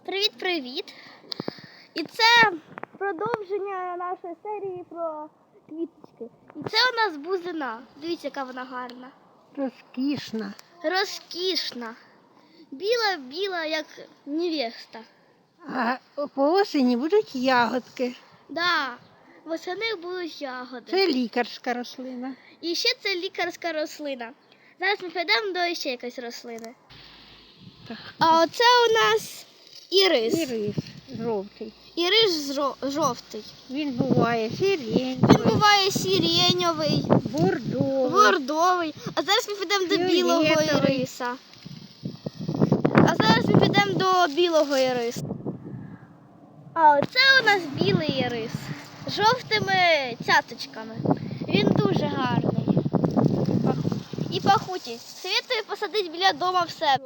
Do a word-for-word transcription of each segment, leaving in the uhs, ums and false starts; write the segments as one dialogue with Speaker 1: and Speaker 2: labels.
Speaker 1: Привіт-привіт! І це продовження нашої серії про квіточки. І це у нас бузина. Дивіться, яка вона гарна.
Speaker 2: Розкішна.
Speaker 1: Розкішна. Біла-біла, як невеста.
Speaker 2: А по осені будуть ягодки.
Speaker 1: Да, восени будуть ягоди.
Speaker 2: Це лікарська рослина.
Speaker 1: І ще це лікарська рослина. Зараз ми підемо до ще якоїсь рослини.
Speaker 2: Так.
Speaker 1: А оце у нас ірис.
Speaker 2: Ірис жовтий.
Speaker 1: Ірис жо- жовтий.
Speaker 2: Він буває сиреневий,
Speaker 1: Він буває сиреньовий,
Speaker 2: бордовий.
Speaker 1: бордовий. А зараз ми підемо до білого
Speaker 2: Фіолетовий.
Speaker 1: іриса. А зараз ми підемо до білого іриса. А оце у нас білий ірис з жовтими цяточками. Він дуже гарний. І пахучий. Советую посадити біля дому в себе.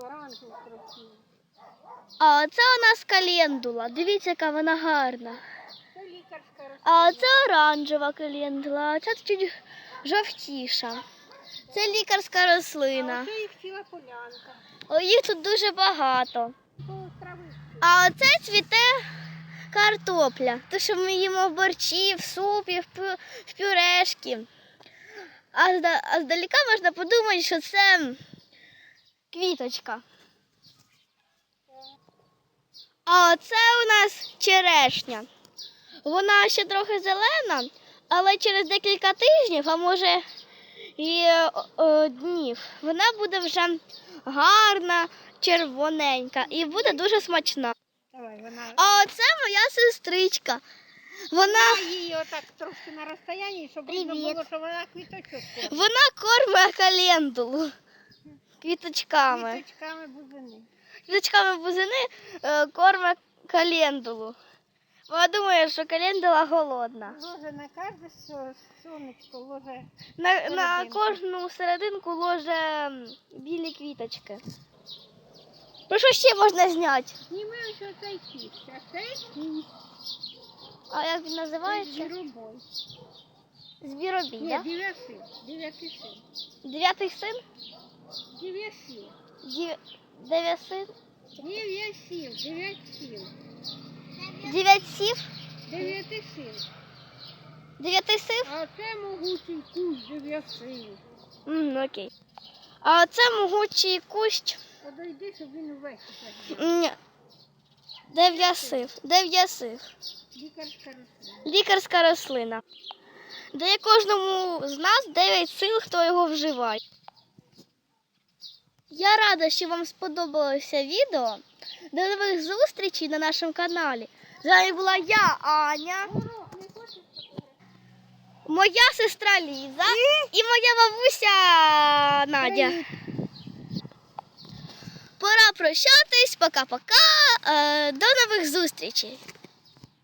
Speaker 1: А оце у нас календула. Дивіться, яка вона гарна.
Speaker 2: Це лікарська рослина.
Speaker 1: А оце оранжева календула, а це чуть жовтіша. Це лікарська рослина.
Speaker 2: Це їх ціла полянка.
Speaker 1: О, їх тут дуже багато.
Speaker 2: По травичці.
Speaker 1: А оце цвіте картопля. То, що ми їмо в борщі, в супі, в, пю, в пюрешки. А, зда- а здалека можна подумати, що це квіточка. А оце у нас черешня. Вона ще трохи зелена, але через декілька тижнів, а може і о, о, днів, вона буде вже гарна, червоненька і буде дуже смачна.
Speaker 2: Давай, вона.
Speaker 1: А оце моя сестричка. Вона,
Speaker 2: Я її отак трошки на розстоянні, щоб видно
Speaker 1: Привіт.
Speaker 2: було, що вона квіточок кормить.
Speaker 1: вона кормить календулу квіточками.
Speaker 2: Квіточками бузини.
Speaker 1: Квіточками бузини е, кормить календулу. Вона думає, що календула голодна.
Speaker 2: Ложе на кожне со- сонечко, ложе.
Speaker 1: На, на
Speaker 2: Серединку.
Speaker 1: кожну серединку ложе м, білі квіточки. Ну що ще можна зняти?
Speaker 2: Зніми ось оцей кість, а цей кість.
Speaker 1: А як він називається?
Speaker 2: Звіробой.
Speaker 1: Звіробій,
Speaker 2: Ні,
Speaker 1: да?
Speaker 2: дев'яти, дев'яти син.
Speaker 1: Дев'ятий син?
Speaker 2: Дев'яти.
Speaker 1: Дів... Дев'ять син?
Speaker 2: Дев'яти, дев'яти.
Speaker 1: Дев'ять сів?
Speaker 2: Дев'яти син.
Speaker 1: Дев'ятий сив?
Speaker 2: А це могутий кущ дев'яти.
Speaker 1: М, окей. А це могучий кущ
Speaker 2: Подойди, щоб він увесь так.
Speaker 1: м, дев'ясив. Дев'ясив.
Speaker 2: Лікарська рослина.
Speaker 1: Лікарська рослина. Дає кожному з нас дев'ять сил, хто його вживає. Я рада, що вам сподобалося відео. До нових зустрічей на нашому каналі. З вами була я, Аня,
Speaker 2: Горох не хочеш?
Speaker 1: моя сестра Ліза і моя бабуся Надя. Пора прощатись. Пока-пока. Е, До нових зустрічей.